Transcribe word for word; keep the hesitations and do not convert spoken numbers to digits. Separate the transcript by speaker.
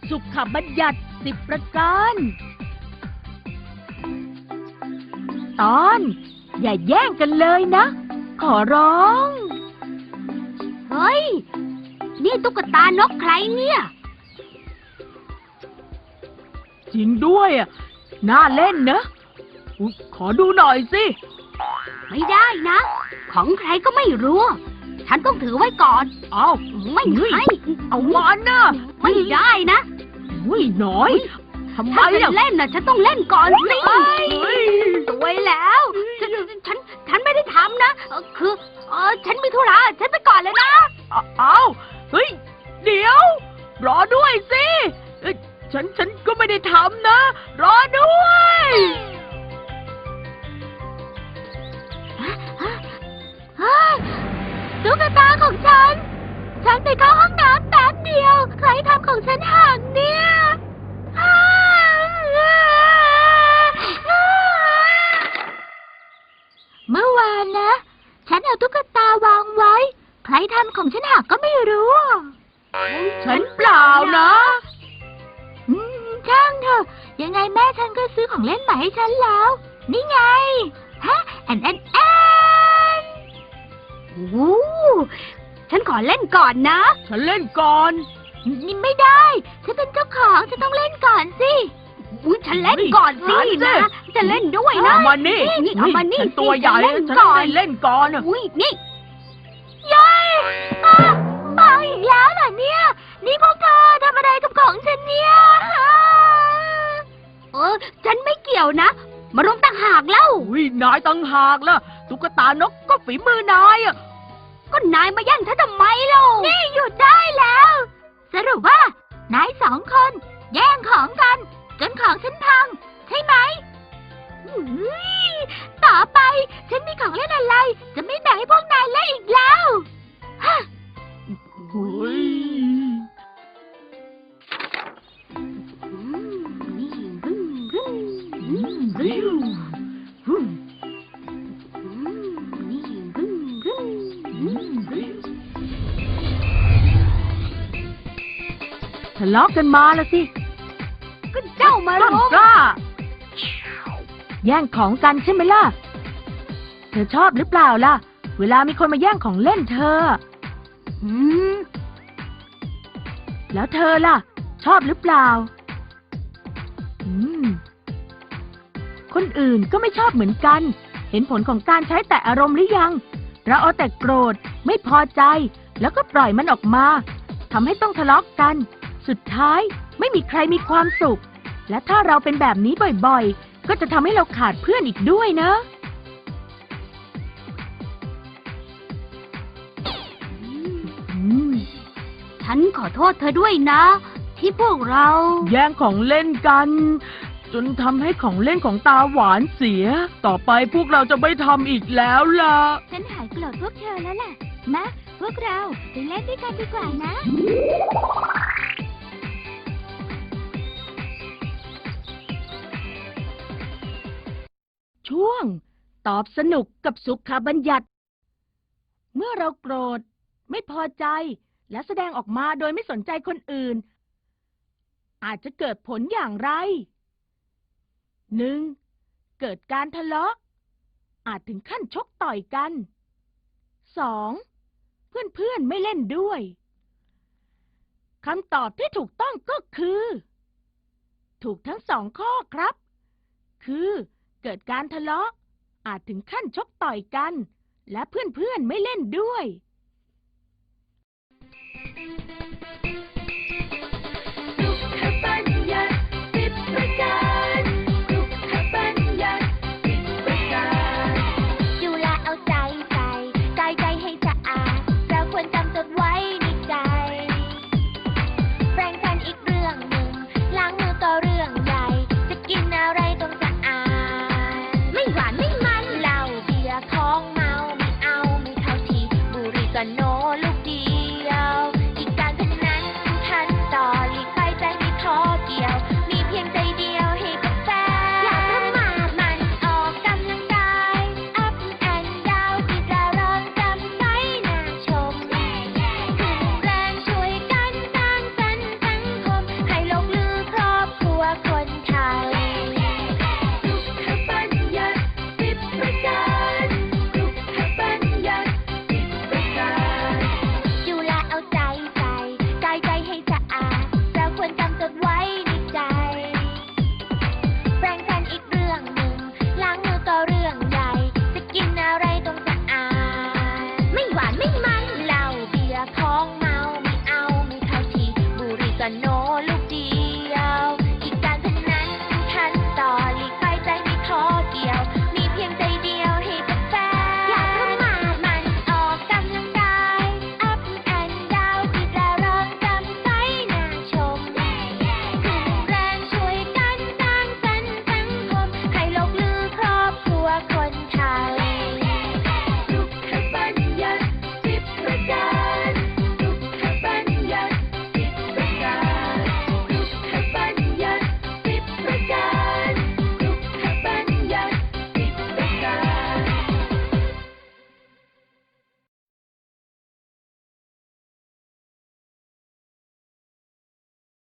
Speaker 1: สุขบัญญัติสิบประการตอนอย่าแย่งกันเลยนะขอร้อง
Speaker 2: เฮ้ยนี่ตุ๊กตานกใครเนี่ย
Speaker 1: จริงด้วยอ่ะน่าเล่นนะขอดูหน่อยสิ
Speaker 2: ไม่ได้นะของใครก็ไม่รู้ฉันต้องถือไว้ก่อน
Speaker 1: เอา
Speaker 2: ไม่ให้
Speaker 1: เอามันนะ
Speaker 2: ไม่ได้นะ
Speaker 1: อุ้ยน้อยทำไม
Speaker 2: อ่ะเล่นน่ะฉันต้องเล่นก่อนสิสวยแล้วฉันฉันฉันไม่ได้ทำนะคือเออฉันมีธุระฉันไปก่อนเลยนะ
Speaker 1: เอาเฮ้ยเดี๋ยวรอด้วยสิฉันฉันก็ไม่ได้ทำนะรอด้วย
Speaker 2: ตุ๊กตาของฉันฉันไปเข้าห้องน้ำแป๊บเดียวใครทำของฉันหักเนี่ยเมื่อวานนะฉันเอาตุ๊กตาวางไว้ใครทำของฉันหักก็ไม่รู้
Speaker 1: ฉันเปล่านะ
Speaker 2: อืมช่างเถอะยังไงแม่ฉันก็ซื้อของเล่นใหม่ให้ฉันแล้วนี่ไงฮะแอนแอนแอนโอ้ฉันขอเล่นก่อนนะ
Speaker 1: ฉันเล่นก่อน
Speaker 2: นี่ไม่ได้ฉันเป็นเจ้าของฉันต้องเล่นก่อนสิอุ้ยฉันเล่นก่อนสินะจะเล่นด้วยนะ
Speaker 1: เอามานี่
Speaker 2: นี่เอามานี่
Speaker 1: ฉันตัวใหญ่ฉันได้เล่นก่อน
Speaker 2: อุ้ยนี่ยัยมาอีกแล้วเหรอเนี่ยนี่พวกเธอทำอะไรกับของฉันเนี่ยเออฉันไม่เกี่ยวนะมารุมต่างหากเล่า
Speaker 1: อุ้ยนายต่างหากล่ะตุ๊กตานกก็ฝีมือนายอ่ะ
Speaker 2: ก็นายมาแย่งฉันทำไมเล่านี่หยุดได้แล้วสรุปว่านายสองคนแย่งของกันจนของฉันพังใช่ไหมต่อไปฉันมีของเล่นอะไรจะไม่แบ่งให้พวกนายเล่นอีกแล้วฮะ
Speaker 1: เฮ้ยทะเลาะกันมาละสิ
Speaker 2: ก็เจ้ามา
Speaker 1: รุมกล้าแย่งของกันใช่ไหมล่ะเธอชอบหรือเปล่าล่ะเวลามีคนมาแย่งของเล่นเธอ
Speaker 2: อืม
Speaker 1: แล้วเธอล่ะชอบหรือเปล่าอืมคนอื่นก็ไม่ชอบเหมือนกันเห็นผลของการใช้แต่อารมณ์หรือยังเราเอาแต่โกรธไม่พอใจแล้วก็ปล่อยมันออกมาทำให้ต้องทะเลาะกันสุดท้ายไม่มีใครมีความสุขและถ้าเราเป็นแบบนี้บ่อยๆก็จะทำให้เราขาดเพื่อนอีกด้วยนะ
Speaker 2: ฉันขอโทษเธอด้วยนะที่พวกเรา
Speaker 1: แย่งของเล่นกันจนทำให้ของเล่นของตาหวานเสียต่อไปพวกเราจะไม่ทำอีกแล้วล่ะ
Speaker 2: ฉันหายโกรธพวกเธอแล้วล่ะมาพวกเราไปเล่นด้วยกันดีกว่านะ
Speaker 1: ช่วงตอบสนุกกับสุขบัญญัติเมื่อเราโกรธไม่พอใจและแสดงออกมาโดยไม่สนใจคนอื่นอาจจะเกิดผลอย่างไร หนึ่ง. เกิดการทะเลาะอาจถึงขั้นชกต่อยกัน สอง. เพื่อนๆไม่เล่นด้วยคำตอบที่ถูกต้องก็คือถูกทั้งสองข้อครับคือเกิดการทะเลาะอาจถึงขั้นชกต่อยกันและเพื่อนๆไม่เล่นด้วย
Speaker 2: กันโน